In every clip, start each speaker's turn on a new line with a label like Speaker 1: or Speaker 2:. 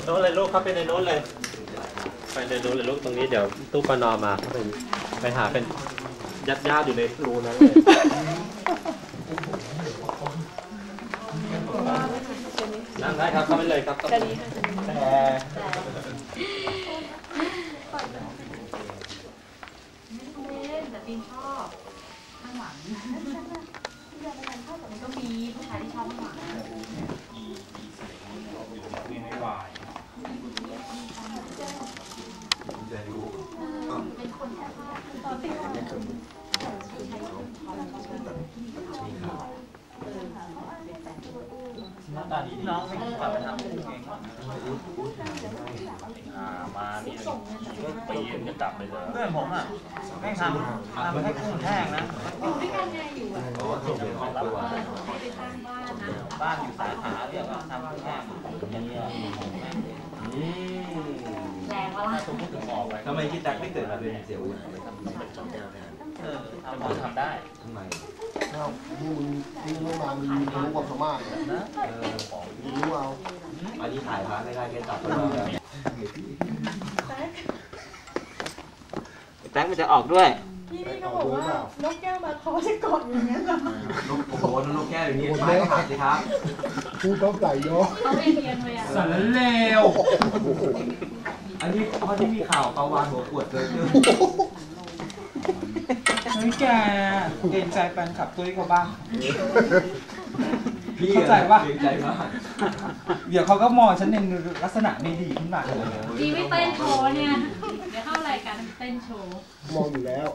Speaker 1: โน้นเลยลูกเข้าไปในโน้นเลยไปในโน้นเลยลูกตรงนี้เดี๋ยวตู้ปนอมาไปหาเป็นญาติอยู่ในรูนั้นเลยนั่งได้ครับเข้าไปเลยครับแต่
Speaker 2: ปีนชอบข้างหลังมันก็มีผู้ชายที่ชอบข้างหลัง
Speaker 3: ไม่วาย
Speaker 2: เป็นคนแค่ตอนที่
Speaker 3: หน้าตาดีน้องไม่กลับไปทำเองมานี่ก็ปีนจะกลับไปเลยเพื่อนผมอ่ะไม่ทำให้กุ้งแห้งนะ
Speaker 2: อยู่ด้วยกันไงอยู่อ่ะ
Speaker 3: รับไม่ได้สร้างบ้านนะบ้านอยู่สาขาเรียกว่าทำกุ้งแห้ง
Speaker 2: แรงวะล่ะ
Speaker 4: ทำไมคิดจักไม่เกิดมาเป็นเสียว
Speaker 3: ทำได้
Speaker 4: ทำไม
Speaker 5: นี่ไม่มามีรู้ความสามารถนะรู้เอา
Speaker 4: อันนี้ถ่ายพระไม่ได้แค่ตัดตัวแท็กมันจะออกด้วย
Speaker 2: พี่นี่ก็บอกว่านกแก้วมาเขาจะกดอย่างนี้เหรอน
Speaker 4: กโอ้โหนกแก้วอย่างนี้ไม่ขาดสิครับ
Speaker 5: พูดต้องใส่เนาะ
Speaker 2: เขาเอียงเลยอ่ะ
Speaker 4: สารเลวอันนี้เพราะที่มีข่าวปลาวานหัวปวดเลย
Speaker 3: นี่แกเกรงใจแฟนคลับตุ้ยเขาบ้างเข้าใจป่ะ
Speaker 4: เกรงใจมาก
Speaker 3: เดี๋ยวเขาก็มองฉันในลักษณะไม่ดีขึ้นมา
Speaker 2: ดีไม่เต้นโชว์เนี่ยเดี๋ยวเข้ารายการเต้นโชว์
Speaker 5: มองอยู่แล้ว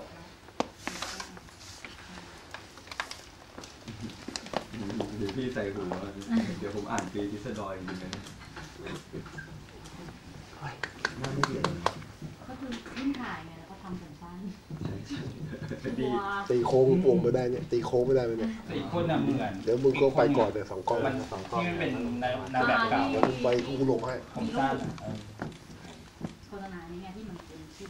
Speaker 4: เดี๋ยวพี่ใส่หูเดี๋ยวผมอ่านปีพิสดอยจริงๆนะน่าไม่เกี่ยว
Speaker 2: ก็คือขึ้นถ่ายไงแล้วก็ทำผมสั้น
Speaker 5: ตีโค้งวงไม่ได้เนี่ยตีโค้งไม่ได้เลยเนี่ย
Speaker 3: อีกคนน่ะเหมือน
Speaker 5: เดี๋ยวมึงก็ไปก่อนเดี๋ยว2 กล้อง
Speaker 3: ที่มันเป็นนางแบบเก่า
Speaker 5: แล้วมึงไปกูลงให้
Speaker 3: ผมสั้น
Speaker 2: โฆษณานี้ไงที่มันเป็นชื่อ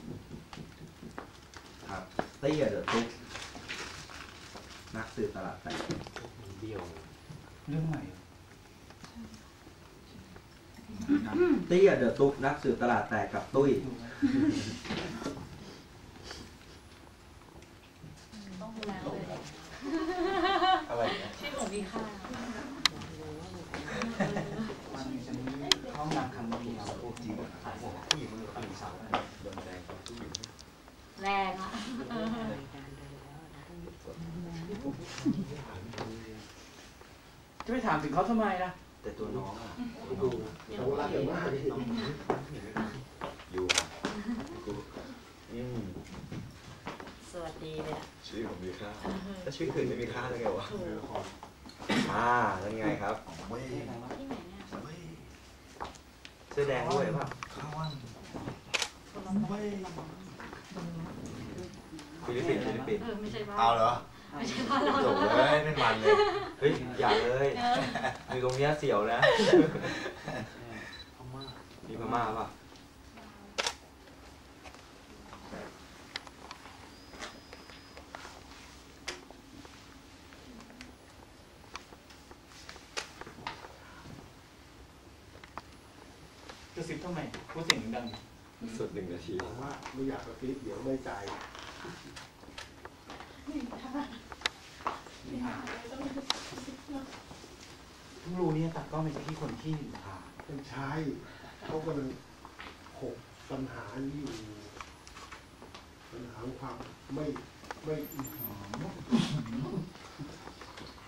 Speaker 4: ครับเตี้ยเดอะตุ๊กนักสืบตลาดแตก
Speaker 3: เดียวเรื่องใหม่
Speaker 4: เตี้ยเดอะตุ๊กนักสืบตลาดแตกกับตุ้ย
Speaker 2: ต้องดูแลเลย
Speaker 4: อะไรเนี่ย
Speaker 2: ชื่อของมีค่า
Speaker 3: มันจะมีห้องนางคำนี้เราจริงผู้หญิงมือปีสาวโดนแรง
Speaker 2: แรงอ่ะ
Speaker 3: จะไปถามถึงเขาทำไมล่ะ
Speaker 4: แต่ตัวน้องอ่ะ
Speaker 5: ดูเขารักกันมาก
Speaker 4: อยู่
Speaker 2: สวัสดีเลยอ่ะ
Speaker 4: ชื่อผมมีค่าถ้าชื่ออื่นไม่มีค่าได้ไงวะแล้วไงครับ
Speaker 2: ที่ไหนเนี่ย
Speaker 4: เสื้อแดงด้วยป่ะฟิลิปปินส์
Speaker 2: ไม่ใช่บ้าน
Speaker 4: เอาเหรอ
Speaker 2: ไม่ใช่บ้านเรา
Speaker 4: จบเลยไม่มันเลยเฮ้ยอย่าเลยอยู่ตรงนี้เสียวนะมีพม่าป่ะ
Speaker 3: จะซิปทำไมพูดเสียงดัง
Speaker 4: สุด1 นาที
Speaker 5: ผมว่าไม่อยากกระซิบเดี๋ยวไม่ใจ
Speaker 3: ทุกรูนี้ตัดก็เป็นที่คนที่
Speaker 5: เป็นใช้เขากำลังปัญหานี้อยู่ปัญหาความไม่